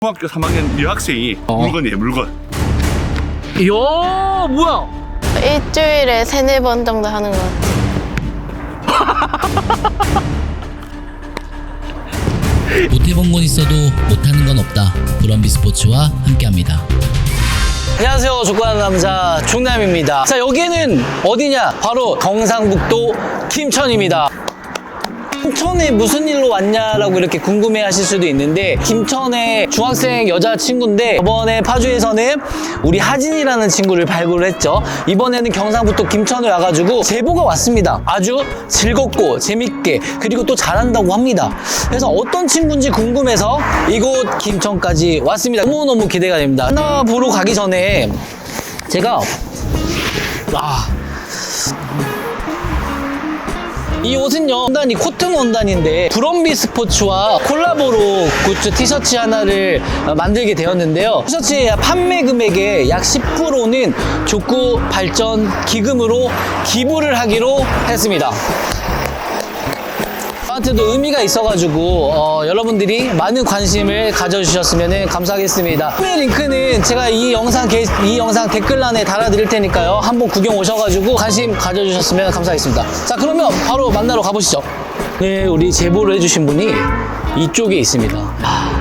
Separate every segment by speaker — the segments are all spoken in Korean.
Speaker 1: 중학교 3학년 여학생이 물건이에요, 물건.
Speaker 2: 이야, 뭐야?
Speaker 3: 일주일에 3-4번 정도 하는 것 같아요.
Speaker 4: 못해본 건 있어도 못하는 건 없다. 브럼비 스포츠와 함께합니다.
Speaker 2: 안녕하세요. 족구하는 남자 중남입니다. 자, 여기는 어디냐? 바로 경상북도 김천입니다. 김천에 무슨 일로 왔냐라고 이렇게 궁금해 하실 수도 있는데, 김천의 중학생 여자친구인데 저번에 파주에서는 우리 하진이라는 친구를 발굴을 했죠. 이번에는 경상북도 김천에 와가지고 제보가 왔습니다. 아주 즐겁고 재밌게, 그리고 또 잘한다고 합니다. 그래서 어떤 친구인지 궁금해서 이곳 김천까지 왔습니다. 너무너무 기대가 됩니다. 하나 보러 가기 전에 제가 이 옷은요, 원단이 코튼 원단인데 브럼비 스포츠와 콜라보로 굿즈 티셔츠 하나를 만들게 되었는데요. 티셔츠의 판매 금액의 약 10%는 족구 발전 기금으로 기부를 하기로 했습니다. 저한테도 의미가 있어가지고 여러분들이 많은 관심을 가져주셨으면 감사하겠습니다. 판매 링크는 제가 이 영상 댓글란에 달아드릴 테니까요. 한번 구경 오셔가지고 관심 가져주셨으면 감사하겠습니다. 자, 그러면 바로 만나러 가보시죠. 네, 우리 제보를 해주신 분이 이쪽에 있습니다.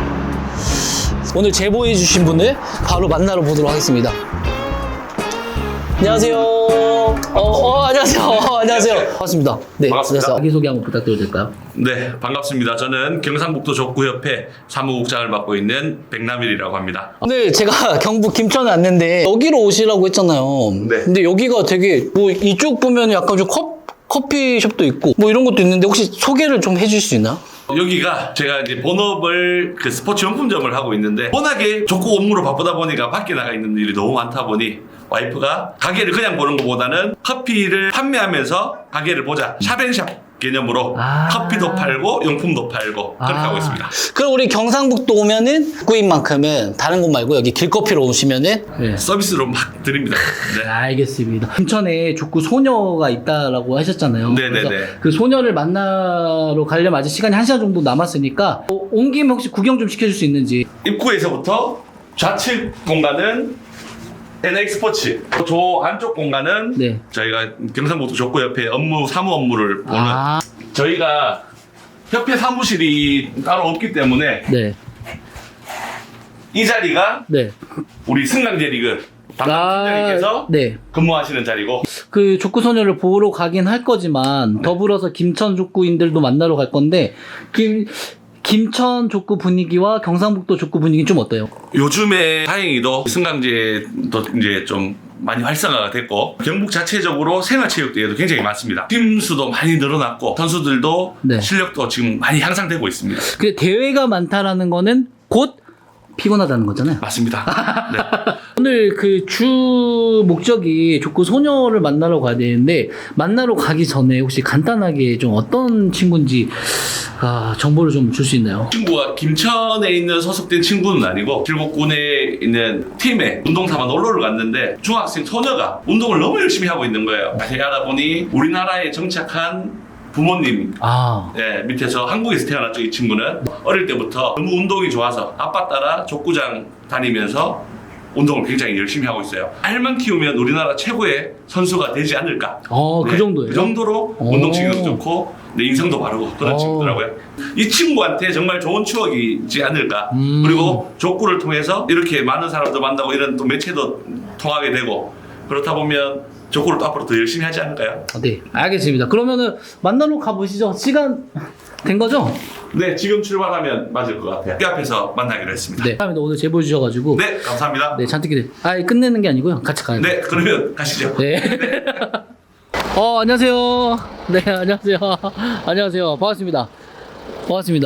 Speaker 2: 오늘 제보해주신 분을 바로 만나러 보도록 하겠습니다. 안녕하세요. 안녕하세요. 안녕하세요. 반갑습니다. 네,
Speaker 1: 반갑습니다.
Speaker 2: 자기소개 한번 부탁드려도 될까요?
Speaker 1: 네, 반갑습니다. 저는 경상북도 족구협회 사무국장을 맡고 있는 백남일이라고 합니다.
Speaker 2: 오늘 제가 경북 김천에 왔는데 여기로 오시라고 했잖아요.
Speaker 1: 네.
Speaker 2: 근데 여기가 되게 뭐 이쪽 보면 약간 좀 커피숍도 있고 뭐 이런 것도 있는데 혹시 소개를 좀 해주실 수 있나요?
Speaker 1: 여기가 제가 이제 본업을 그 스포츠 용품점을 하고 있는데, 워낙에 족구 업무로 바쁘다 보니까 밖에 나가 있는 일이 너무 많다 보니 와이프가 가게를 그냥 보는 것보다는 커피를 판매하면서 가게를 보자, 샵앤샵 개념으로 커피도 팔고 용품도 팔고 그렇게 하고 있습니다.
Speaker 2: 그럼 우리 경상북도 오면은 족구인 만큼은 다른 곳 말고 여기 길커피로 오시면은
Speaker 1: 서비스로 막 드립니다. 네.
Speaker 2: 알겠습니다. 김천에 족구 소녀가 있다라고 하셨잖아요.
Speaker 1: 네네네.
Speaker 2: 그래서 그 소녀를 만나러 가려면 아직 시간이 1시간 정도 남았으니까 온 김에 혹시 구경 좀 시켜줄 수 있는지.
Speaker 1: 입구에서부터 좌측 공간은 NX 스포츠, 저 안쪽 공간은
Speaker 2: 네.
Speaker 1: 저희가 경상북도 족구협회 사무 업무를 보는, 저희가 협회 사무실이 따로 없기 때문에
Speaker 2: 네.
Speaker 1: 이 자리가
Speaker 2: 네.
Speaker 1: 우리 승강제 리그 담당 팀장님께서
Speaker 2: 네.
Speaker 1: 근무하시는 자리고,
Speaker 2: 그 족구 소녀를 보러 가긴 할 거지만 더불어서 김천 족구인들도 만나러 갈 건데 김천 족구 분위기와 경상북도 족구 분위기는 좀 어때요?
Speaker 1: 요즘에 다행히도 승강제도 이제 좀 많이 활성화가 됐고, 경북 자체적으로 생활체육대회도 굉장히 많습니다. 팀 수도 많이 늘어났고 선수들도
Speaker 2: 네.
Speaker 1: 실력도 지금 많이 향상되고 있습니다.
Speaker 2: 근데 대회가 많다라는 거는 곧 피곤하다는 거잖아요.
Speaker 1: 맞습니다. 네.
Speaker 2: 오늘 그 주 목적이 족구 소녀를 만나러 가야 되는데, 만나러 가기 전에 혹시 간단하게 좀 어떤 친구인지 정보를 좀 줄 수 있나요?
Speaker 1: 친구가 김천에 있는 소속된 친구는 아니고 길곡군에 있는 팀에 운동 삼아 놀러를 갔는데 중학생 소녀가 운동을 너무 열심히 하고 있는 거예요. 자세히 알아보니 우리나라에 정착한 부모님 밑에서 한국에서 태어났죠. 이 친구는 어릴 때부터 너무 운동이 좋아서 아빠 따라 족구장 다니면서 운동을 굉장히 열심히 하고 있어요. 알만 키우면 우리나라 최고의 선수가 되지 않을까.
Speaker 2: 그 정도예요?
Speaker 1: 그 정도로 운동신경도 좋고 내 인성도 바르고 그런 친구더라고요. 이 친구한테 정말 좋은 추억이지 않을까. 그리고 족구를 통해서 이렇게 많은 사람들 만나고 이런 또 매체도 통하게 되고, 그렇다 보면 족구를 또 앞으로 더 열심히 하지 않을까요?
Speaker 2: 네, 알겠습니다. 그러면은 만나러 가보시죠. 시간 된 거죠?
Speaker 1: 네, 지금 출발하면 맞을 것 같아요. 이 앞에서 만나기로 했습니다.
Speaker 2: 네, 감사합니다. 오늘 제보 주셔가지고.
Speaker 1: 네, 감사합니다.
Speaker 2: 네, 잔뜩 기대. 끝내는 게 아니고요. 같이 가요.
Speaker 1: 네, 그러면 가시죠.
Speaker 2: 네. 안녕하세요. 네, 안녕하세요. 안녕하세요. 반갑습니다. 반갑습니다.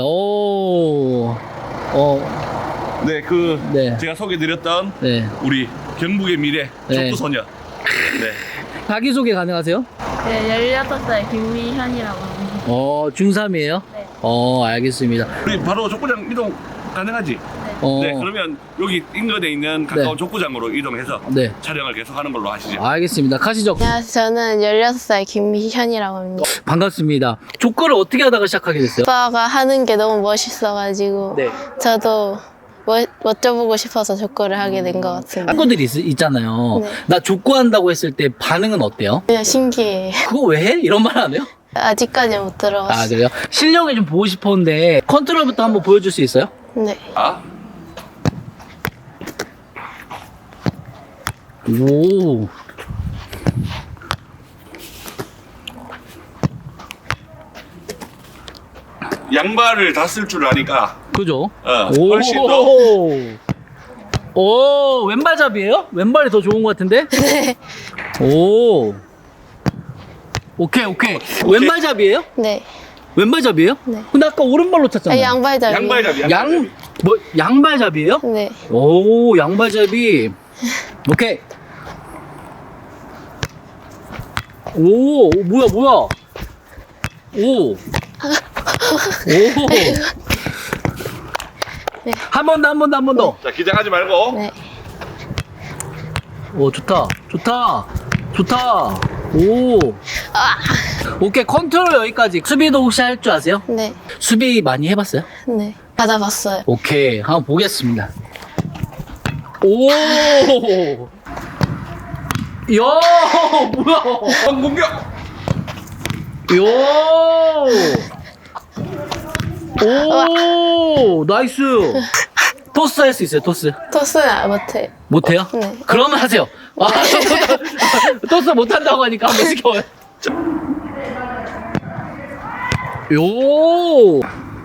Speaker 1: 네,
Speaker 2: 네.
Speaker 1: 제가 소개드렸던
Speaker 2: 네.
Speaker 1: 우리 경북의 미래
Speaker 2: 네.
Speaker 1: 족구 소녀. 네.
Speaker 2: 자기소개 가능하세요?
Speaker 3: 네, 16살 김미현이라고 합니다.
Speaker 2: 중3이에요?
Speaker 3: 네.
Speaker 2: 알겠습니다.
Speaker 1: 우리 바로 족구장 이동 가능하지? 네, 그러면 여기 인근에 있는 가까운
Speaker 2: 네.
Speaker 1: 족구장으로 이동해서
Speaker 2: 네.
Speaker 1: 촬영을 계속하는 걸로 하시죠.
Speaker 2: 알겠습니다. 가시죠.
Speaker 3: 안녕하세요. 저는 16살 김미현이라고 합니다.
Speaker 2: 반갑습니다. 족구를 어떻게 하다가 시작하게 됐어요?
Speaker 3: 오빠가 하는 게 너무 멋있어가지고
Speaker 2: 네.
Speaker 3: 저도 멋져보고 싶어서 족구를 하게 된 것 같은데.
Speaker 2: 친구들이 있잖아요.
Speaker 3: 네.
Speaker 2: 나 족구한다고 했을 때 반응은 어때요?
Speaker 3: 그냥 신기해.
Speaker 2: 그거 왜 해? 이런 말 안 해요?
Speaker 3: 아직까지 못 들어봤어요.
Speaker 2: 아, 그래요? 실력을 좀 보고 싶었는데 컨트롤부터 한번 보여줄 수 있어요?
Speaker 3: 네.
Speaker 1: 아?
Speaker 2: 오.
Speaker 1: 양발을 다 쓸 줄 아니까
Speaker 2: 그죠?
Speaker 1: 오, 훨씬 더.
Speaker 2: 오, 왼발잡이에요? 왼발이 더 좋은 것 같은데?
Speaker 3: 네.
Speaker 2: 오. 오케이. 왼발잡이에요?
Speaker 3: 네.
Speaker 2: 왼발잡이에요?
Speaker 3: 네.
Speaker 2: 근데 아까 오른발로 쳤잖아요.
Speaker 3: 양발잡이.
Speaker 1: 양발잡이.
Speaker 2: 양발잡이에요?
Speaker 3: 네.
Speaker 2: 오, 양발잡이. 오케이. 오, 뭐야. 오. 한 번 더.
Speaker 1: 자, 기장하지 말고.
Speaker 3: 네.
Speaker 2: 오, 좋다. 오. 오케이, 컨트롤 여기까지. 수비도 혹시 할 줄 아세요?
Speaker 3: 네.
Speaker 2: 수비 많이 해봤어요?
Speaker 3: 네. 받아봤어요.
Speaker 2: 오케이, 한번 보겠습니다. 오. 야, 뭐야?
Speaker 1: 공격.
Speaker 2: 오, 나이스. 토스 할 수 있어요, 토스.
Speaker 3: 토스는 못해.
Speaker 2: 못해요?
Speaker 3: 네.
Speaker 2: 그러면 하세요. 아, 토스 못한다고 하니까 한번 시켜요. 요.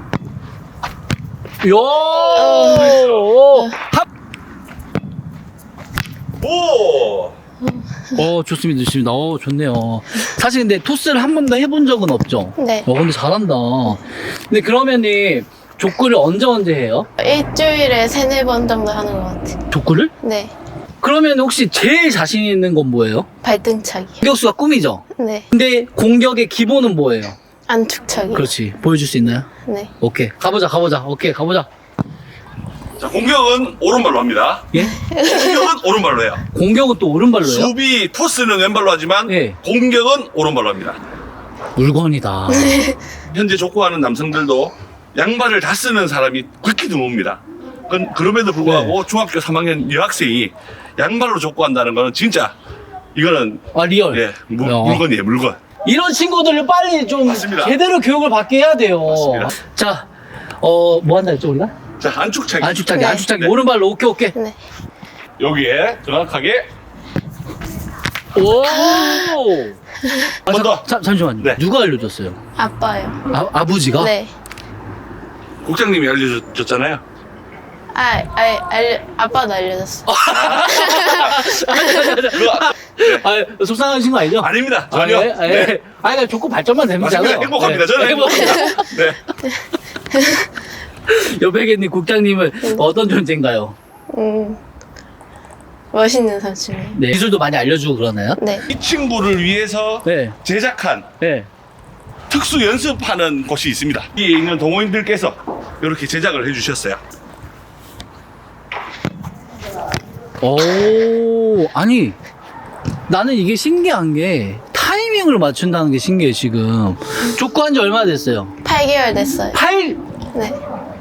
Speaker 1: 오.
Speaker 2: 좋습니다. 좋네요. 사실 근데 토스를 한 번도 해본 적은 없죠?
Speaker 3: 네.
Speaker 2: 근데 잘한다. 근데 그러면은 족구를 언제 해요?
Speaker 3: 일주일에 3-4번 정도 하는 것 같아요.
Speaker 2: 족구를?
Speaker 3: 네.
Speaker 2: 그러면 혹시 제일 자신 있는 건 뭐예요?
Speaker 3: 발등차기.
Speaker 2: 공격수가 꿈이죠?
Speaker 3: 네.
Speaker 2: 근데 공격의 기본은 뭐예요?
Speaker 3: 안축차기.
Speaker 2: 그렇지. 보여줄 수 있나요?
Speaker 3: 네.
Speaker 2: 오케이. 가보자. 오케이, 가보자.
Speaker 1: 자, 공격은 오른발로 합니다.
Speaker 2: 예?
Speaker 1: 공격은 오른발로 해요.
Speaker 2: 공격은 또 오른발로 해요?
Speaker 1: 수비 토스는 왼발로 하지만
Speaker 2: 예.
Speaker 1: 공격은 오른발로 합니다.
Speaker 2: 물건이다.
Speaker 1: 현재 족구하는 남성들도 양발을 다 쓰는 사람이 극히 드뭅니다. 그럼에도 불구하고 중학교 3학년 여학생이 양발로 족구한다는 거는 진짜 이거는
Speaker 2: 아, 리얼.
Speaker 1: 예, 물건이에요, 물건.
Speaker 2: 이런 친구들을 빨리 좀
Speaker 1: 맞습니다.
Speaker 2: 제대로 교육을 받게 해야 돼요.
Speaker 1: 맞습니다.
Speaker 2: 자, 뭐 한다 했죠, 우리가?
Speaker 1: 자, 안축차기.
Speaker 2: 안축차기.
Speaker 3: 네.
Speaker 2: 오른발로. 오케이.
Speaker 3: 네.
Speaker 1: 여기에 정확하게
Speaker 2: 오!
Speaker 1: 한 번 더.
Speaker 2: 잠시만요.
Speaker 1: 네.
Speaker 2: 누가 알려줬어요?
Speaker 3: 아빠요.
Speaker 2: 아버지가?
Speaker 3: 네.
Speaker 1: 국장님이 알려줬잖아요.
Speaker 3: 아빠도 알려줬어.
Speaker 1: 그거
Speaker 2: 속상하신 거 아니죠?
Speaker 1: 아닙니다. 전혀. 네.
Speaker 2: 그냥 족구 발전만 되면
Speaker 1: 맞습니다.
Speaker 2: 되잖아요.
Speaker 1: 행복합니다. 저는 행복합니다. 네.
Speaker 2: 옆에 계신 국장님은 어떤 존재인가요?
Speaker 3: 멋있는 삼촌이에요.
Speaker 2: 네. 기술도 많이 알려주고 그러나요?
Speaker 3: 네.
Speaker 1: 이 친구를 위해서
Speaker 2: 네.
Speaker 1: 제작한
Speaker 2: 네.
Speaker 1: 특수 연습하는 곳이 있습니다. 여기에 있는 동호인들께서 이렇게 제작을 해주셨어요.
Speaker 2: 오, 아니, 나는 이게 신기한 게 타이밍을 맞춘다는 게 신기해, 지금. 족구한 지 얼마나 됐어요?
Speaker 3: 8개월 됐어요.
Speaker 2: 8개월이요?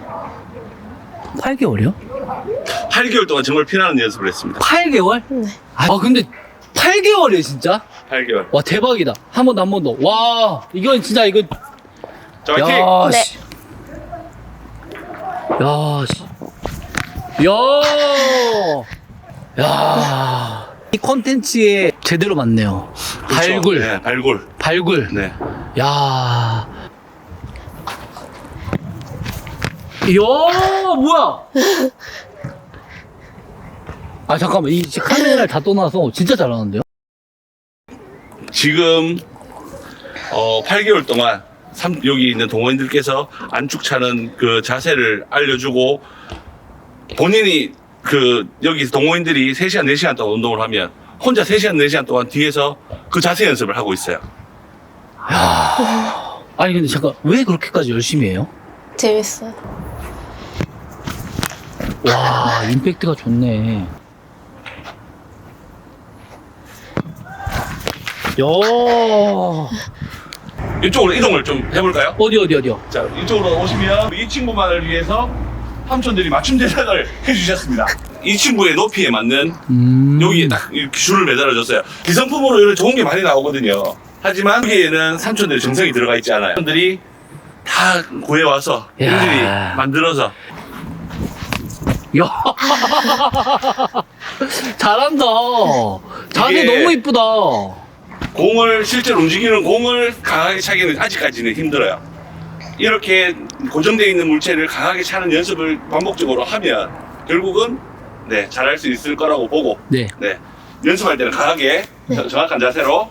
Speaker 3: 네.
Speaker 1: 8개월 동안 정말 피나는 연습을 했습니다.
Speaker 2: 8개월?
Speaker 3: 네.
Speaker 2: 근데 8개월이에요, 진짜?
Speaker 1: 8개월.
Speaker 2: 와, 대박이다. 한 번 더. 와, 이건 진짜, 이거.
Speaker 1: 자, 화이팅!
Speaker 2: 야,
Speaker 3: 네.
Speaker 2: 씨. 야, 씨. 야. 이 콘텐츠에 제대로 맞네요.
Speaker 1: 그렇죠.
Speaker 2: 발굴.
Speaker 1: 네, 발굴.
Speaker 2: 발굴.
Speaker 1: 네.
Speaker 2: 야. 이야, 뭐야? 잠깐만. 이 카메라를 다 떠나서 진짜 잘하는데요?
Speaker 1: 지금 8개월 동안 여기 있는 동호인들께서 안축 차는 그 자세를 알려주고 본인이 여기 동호인들이 3시간, 4시간 동안 운동을 하면 혼자 3시간, 4시간 동안 뒤에서 그 자세 연습을 하고 있어요.
Speaker 2: 아니, 근데 잠깐, 왜 그렇게까지 열심히 해요?
Speaker 3: 재밌어요.
Speaker 2: 와, 임팩트가 좋네. 야,
Speaker 1: 이쪽으로 이동을 좀 해볼까요?
Speaker 2: 어디요?
Speaker 1: 자, 이쪽으로 오시면 이 친구만을 위해서 삼촌들이 맞춤 제작을 해주셨습니다. 이 친구의 높이에 맞는 여기에 딱 이렇게 줄을 매달아줬어요. 기성품으로 이런 좋은 게 많이 나오거든요. 하지만 여기에는 삼촌들의 정성이 들어가 있지 않아요. 삼촌들이 다 구해와서 일일이 만들어서.
Speaker 2: 야. 잘한다. 자세
Speaker 1: 이게-
Speaker 2: 너무 이쁘다.
Speaker 1: 공을 실제로 움직이는 공을 강하게 차기는 아직까지는 힘들어요. 이렇게 고정되어 있는 물체를 강하게 차는 연습을 반복적으로 하면 결국은 네, 잘할 수 있을 거라고 보고
Speaker 2: 네.
Speaker 1: 네, 연습할 때는 강하게 정확한 자세로.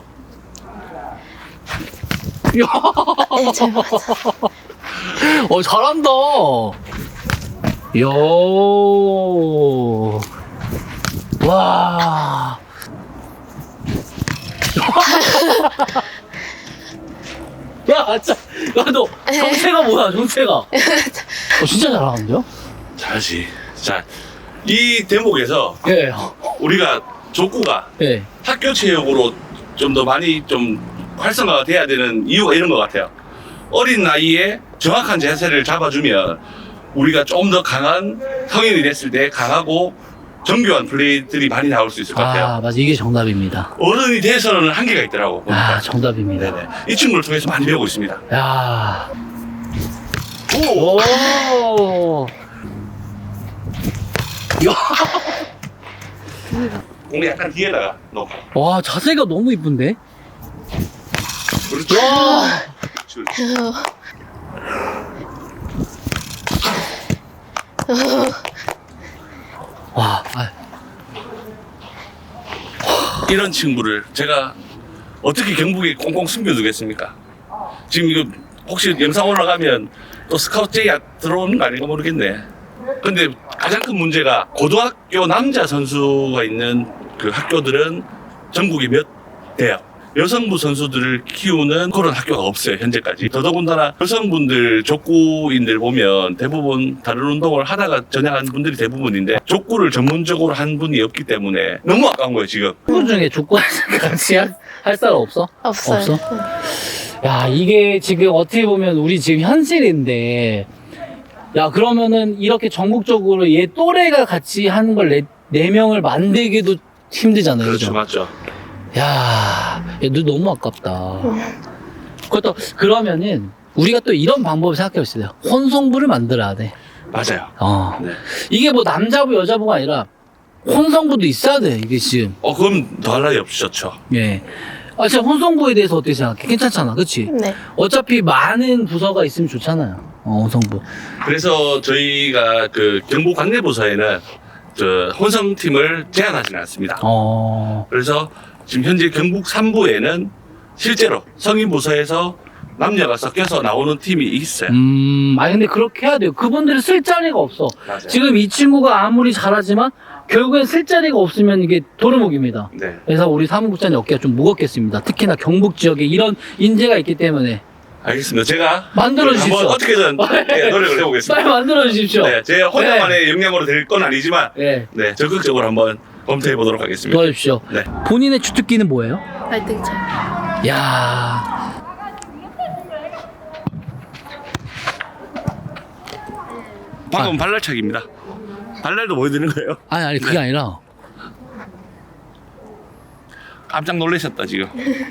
Speaker 2: 야.
Speaker 3: 네, 잘 맞아.
Speaker 2: 잘한다. 요. 와. 야, 진짜. 야, 너 정체가 뭐야, 정체가? 진짜 잘하는데요?
Speaker 1: 잘하지. 자, 이 대목에서
Speaker 2: 예.
Speaker 1: 우리가 족구가
Speaker 2: 예.
Speaker 1: 학교 체육으로 좀 더 많이 좀 활성화가 돼야 되는 이유가 이런 것 같아요. 어린 나이에 정확한 자세를 잡아주면 우리가 좀 더 강한 성인이 됐을 때 강하고 정교한 플레이들이 많이 나올 수 있을 것 같아요.
Speaker 2: 아, 맞아. 이게 정답입니다.
Speaker 1: 어른이 돼서는 한계가 있더라고. 보니까.
Speaker 2: 아, 정답입니다.
Speaker 1: 네네. 이 친구를 통해서 많이 배우고 있습니다.
Speaker 2: 야.
Speaker 1: 오!
Speaker 2: 오. 야.
Speaker 1: 공을 약간 뒤에다가 넣고.
Speaker 2: 와, 자세가 너무 이쁜데?
Speaker 1: 그렇죠.
Speaker 2: 와.
Speaker 1: 그렇죠.
Speaker 2: 와. 아,
Speaker 1: 이런 친구를 제가 어떻게 경북에 꽁꽁 숨겨두겠습니까? 지금 이거 혹시 영상 올라가면 또 스카우트 제의가 들어오는 거 아닌가 모르겠네. 근데 가장 큰 문제가 고등학교 남자 선수가 있는 그 학교들은 전국에 몇 대요. 여성부 선수들을 키우는 그런 학교가 없어요, 현재까지. 더더군다나 여성분들 족구인들 보면 대부분 다른 운동을 하다가 전향한 분들이 대부분인데 족구를 전문적으로 한 분이 없기 때문에 너무 아까운 거예요, 지금.
Speaker 2: 친구 중에 족구 같이 할 사람 없어?
Speaker 3: 없어요.
Speaker 2: 없어? 야, 이게 지금 어떻게 보면 우리 지금 현실인데, 야, 그러면은 이렇게 전국적으로 얘 또래가 같이 하는 걸 네 명을 만들기도 힘들잖아요.
Speaker 1: 그렇죠,
Speaker 2: 그죠?
Speaker 1: 맞죠.
Speaker 2: 야, 얘도 너무 아깝다. 그것도, 그러면은, 우리가 또 이런 방법을 생각해 봅시다. 혼성부를 만들어야 돼.
Speaker 1: 맞아요.
Speaker 2: 네.
Speaker 1: 네.
Speaker 2: 이게 뭐 남자부, 여자부가 아니라, 혼성부도 있어야 돼, 이게 지금.
Speaker 1: 그럼 더할 나위 없으셨죠.
Speaker 2: 예. 아, 진짜 혼성부에 대해서 어떻게 생각해? 괜찮잖아, 그치?
Speaker 3: 네.
Speaker 2: 어차피 많은 부서가 있으면 좋잖아요. 혼성부.
Speaker 1: 그래서 저희가 그 경북 관내부서에는 저 혼성팀을 제한하지는 않습니다. 그래서 지금 현재 경북 3부에는 실제로 성인 부서에서 남녀가 섞여서 나오는 팀이 있어요.
Speaker 2: 아니, 근데 그렇게 해야 돼요. 그분들은 쓸 자리가 없어.
Speaker 1: 맞아요.
Speaker 2: 지금 이 친구가 아무리 잘하지만, 결국엔 쓸 자리가 없으면 이게 도루묵입니다.
Speaker 1: 네.
Speaker 2: 그래서 우리 사무국장님 어깨가 좀 무겁겠습니다. 특히나 경북 지역에 이런 인재가 있기 때문에.
Speaker 1: 알겠습니다. 제가
Speaker 2: 만들어 주십시오.
Speaker 1: 한번 어떻게든 네, 노력을 해보겠습니다.
Speaker 2: 빨리 만들어 주십시오.
Speaker 1: 네, 제 혼자만의 역량으로 될 건 아니지만
Speaker 2: 네.
Speaker 1: 네, 적극적으로 한번 검토해 보도록 하겠습니다.
Speaker 2: 도와주십시오.
Speaker 1: 네.
Speaker 2: 본인의 주특기는 뭐예요?
Speaker 3: 발등차.
Speaker 2: 야.
Speaker 1: 방금 발랄차기입니다. 발랄도 보여드리는 거예요.
Speaker 2: 아니, 그게 아니라.
Speaker 1: 깜짝 놀라셨다 지금.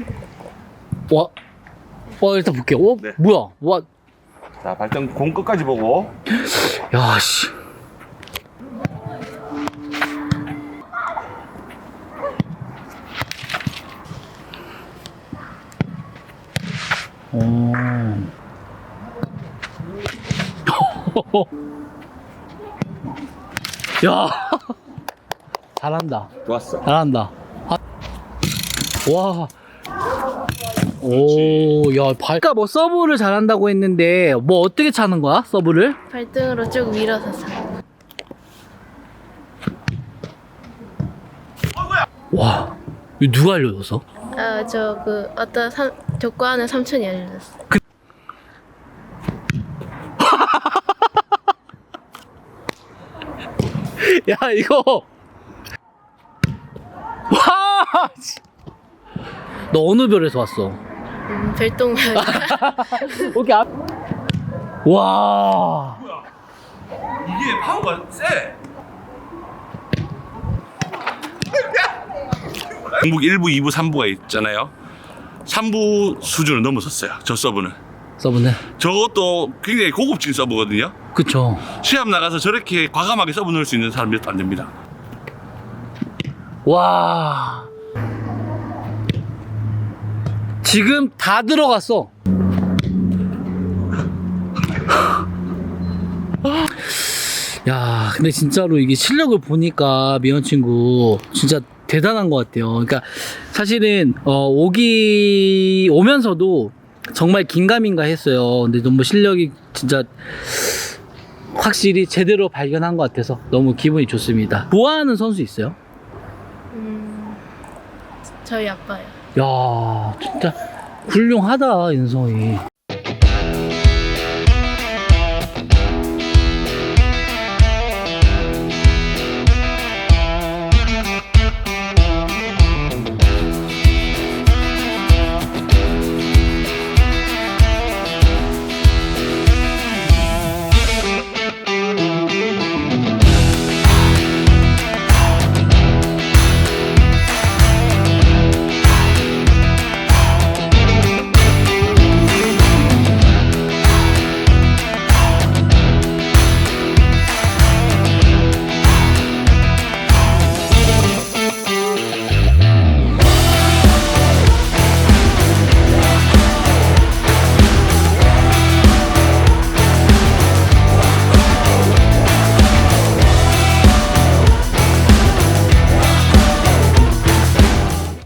Speaker 2: 일단 볼게요.
Speaker 1: 네.
Speaker 2: 뭐야? 와.
Speaker 1: 자, 발등 공 끝까지 보고.
Speaker 2: 야, 씨. 야. 잘한다.
Speaker 1: 좋았어.
Speaker 2: 잘한다. 와. 오, 야, 아까 뭐 서브를 잘한다고 했는데, 뭐 어떻게 차는 거야? 서브를?
Speaker 3: 발등으로 쭉 밀어서 차.
Speaker 2: 와, 이거 누가 알려줬어?
Speaker 3: 어떤 족구하는 삼촌이 알려줬어.
Speaker 2: 야, 이거. 와! 너 어느 별에서 왔어?
Speaker 3: 별똥별.
Speaker 2: 여기 앞. 와.
Speaker 1: 이게 파워가 세. 중국 1부, 2부, 3부가 있잖아요. 3부 수준을 넘어섰어요. 저 서브는.
Speaker 2: 서브는?
Speaker 1: 저것도 굉장히 고급진 서브거든요.
Speaker 2: 그쵸.
Speaker 1: 시합 나가서 저렇게 과감하게 서브 넣을 수 있는 사람 몇 안 됩니다.
Speaker 2: 와. 지금 다 들어갔어. 야, 근데 진짜로 이게 실력을 보니까 미연 친구 진짜 대단한 것 같아요. 그러니까 사실은 오면서도 정말 긴가민가 했어요. 근데 너무 실력이 진짜 확실히 제대로 발견한 것 같아서 너무 기분이 좋습니다. 좋아하는 선수 있어요?
Speaker 3: 저희 아빠요.
Speaker 2: 야, 진짜 훌륭하다, 윤성이.